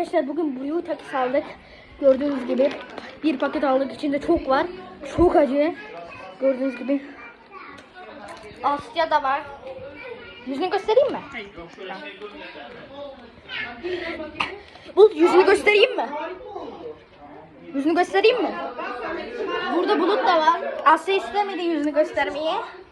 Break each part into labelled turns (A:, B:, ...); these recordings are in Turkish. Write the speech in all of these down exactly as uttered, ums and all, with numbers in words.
A: Arkadaşlar bugün Blue takis aldık. Gördüğünüz gibi bir paket aldık. İçinde çok var. Çok acı. Gördüğünüz gibi. Asya da var. Yüzünü göstereyim mi? Bu yüzünü göstereyim mi? Yüzünü göstereyim mi? Burada Bulut da var. Asya istemedi yüzünü göstermeyi.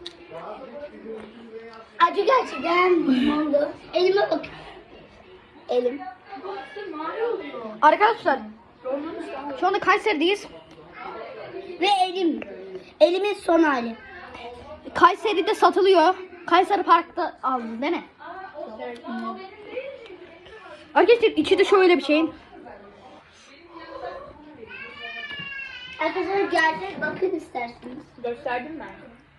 B: Acı gerçekten oldu. Elime bak. Elim.
A: Arkadaşlar şu anda Kayseri'deyiz.
B: Ve elim. Elimin son hali.
A: Kayseri'de satılıyor. Kayseri Park'ta aldım değil mi? Arkadaşlar içi de şöyle bir şey.
B: Arkadaşlar gerçek bakın isterseniz.
C: Gösterdim ben.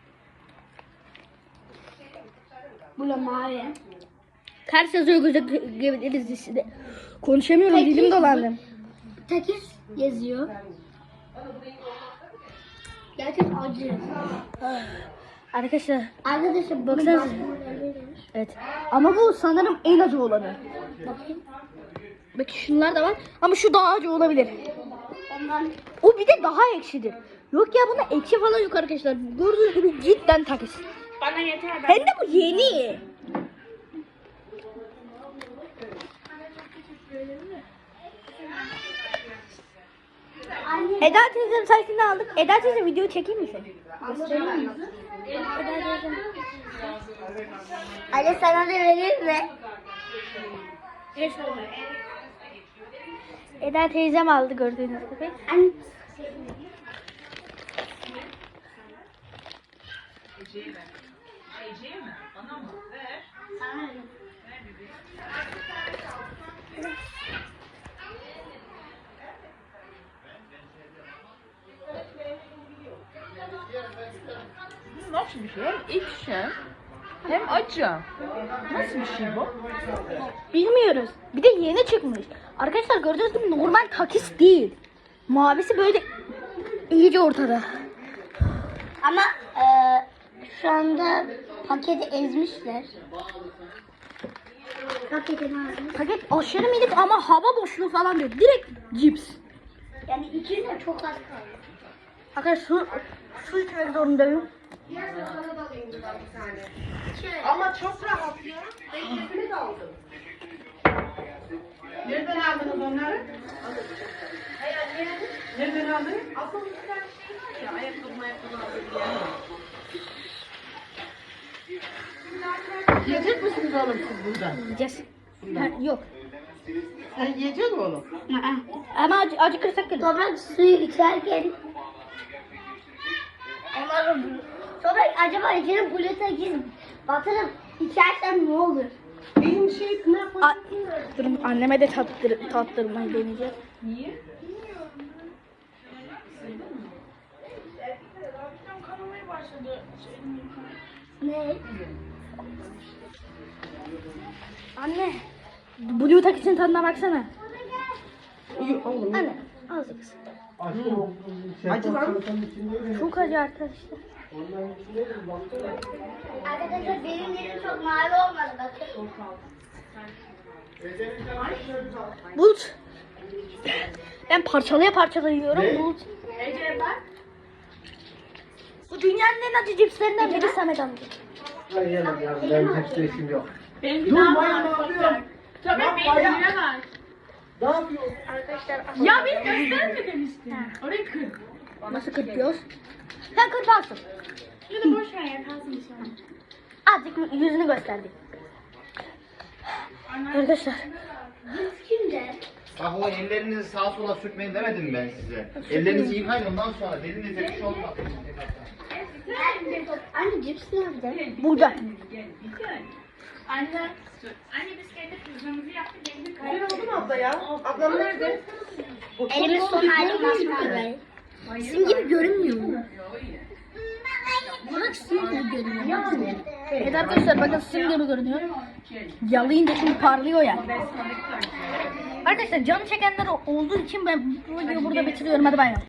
B: Bu da mavi.
A: Ters yazıyor görebiliriz dizide. Konuşamıyorum,
B: Peki,
A: dilim dolandı.
B: Takis yazıyor. Gerçek acı.
A: Arkadaşlar
B: Arkadaşlar
A: baksanıza.
B: baksanıza.
A: Evet. Ama bu sanırım en acı olanı.
B: Bakayım.
A: Belki şunlar da var ama şu daha acı olabilir.
B: Ondan
A: O bir de daha ekşidir. Yok ya bunda ekşi falan yok arkadaşlar. Gördüğünüz gibi cidden takis.
C: Bana yeter. Ben
A: Hem de bu yeni.
B: anne
A: Eda teyzenin sayesinde aldık. Eda teyze video çekeyim mi seni?
B: göstereyim mi? Anne sana da vereyim mi?
A: Eda teyzem aldı gördüğünüz gibi.
B: Anne.
C: nasıl bir şey? Hem ekşi hem acı. Nasıl bir şey bu?
A: Bilmiyoruz. Bir de yeni çıkmış. Arkadaşlar gördüğünüz gibi normal takis değil. Mavisi böyle iyice ortada.
B: Ama e, şu anda paketi ezmişler. Paketi nerede?
A: Paket aşırı minik ama hava boşluğu falan diyor. Direkt cips.
B: Yani içinde çok az kaldı.
A: Arkadaşlar su, su içmek zorundayım.
D: Ama çok rahat ya. Ben keyfini de aldım. Nereden aldınız onları? Nereden aldın? Aslında bir tane şey var ya. Ayakkabı ayakkabı aldım diye. Yiyecek misiniz oğlum siz buradan?
A: Yiyeceğiz. Ha, yok.
D: Sen yiyecek mi oğlum?
A: Ama acı, acıkırsak gelir.
B: Toprak suyu içerken Umarım Toprak acaba içine gluten giz batırıp içersem ne olur?
D: Benim şey ne yapmak
A: A- Durun anneme de tattır, tattırmayı deneyeceğiz.
D: Niye?
B: Ne?
A: Anne. Blue takisinin tadına baksana.
D: İyi oğlum.
A: Anne. Azıcık.
D: Acı lan.
A: Çok acı arkadaşlar.
B: Arkadaşlar benim yerim çok mavi olmadı bakın.
A: Bulut. Ben parçalaya parçalaya yiyorum. Bulut.
C: Ece bak.
A: Bu dünyanın en acı cipslerinden biri Samet amca.
E: Hayır ben cipsle işim yok.
C: Benim bir
E: Dur,
C: daha
E: bayağı
C: var.
E: alıyorum.
C: Tabii
E: Bak,
C: benim
E: bayağı.
C: bir var.
E: Ne yapıyorsun?
C: Ya beni gösterme demiştin. Orayı kır.
A: Nasıl kırpıyoruz? Sen kırparsın.
C: Şunu boş ver ya kalsın inşallah.
A: Azıcık yüzünü gösterdi. Arkadaşlar.
B: Kimde?
F: Bak o ellerinizi sağa sola sürtmeyin demedim ben size. Ellerinizi yıkayın ondan sonra dilinize bir şey olmaz.
B: Anne cips nerede?
A: Burada.
C: Anne. Anne biz kendi kızımızı yaptık. Kendi
D: Güzel oldu mu abla ya? Ablam nerede?
B: Elimin son hali masmavi. Sizin gibi görünmüyor mu? Burak sizin gibi görünüyor.
A: Evet arkadaşlar bakın sim gibi görünüyor. Yalayınca şimdi parlıyor ya. Arkadaşlar canı çekenler olduğu için ben bu videoyu burada bitiriyorum. Hadi bay bay.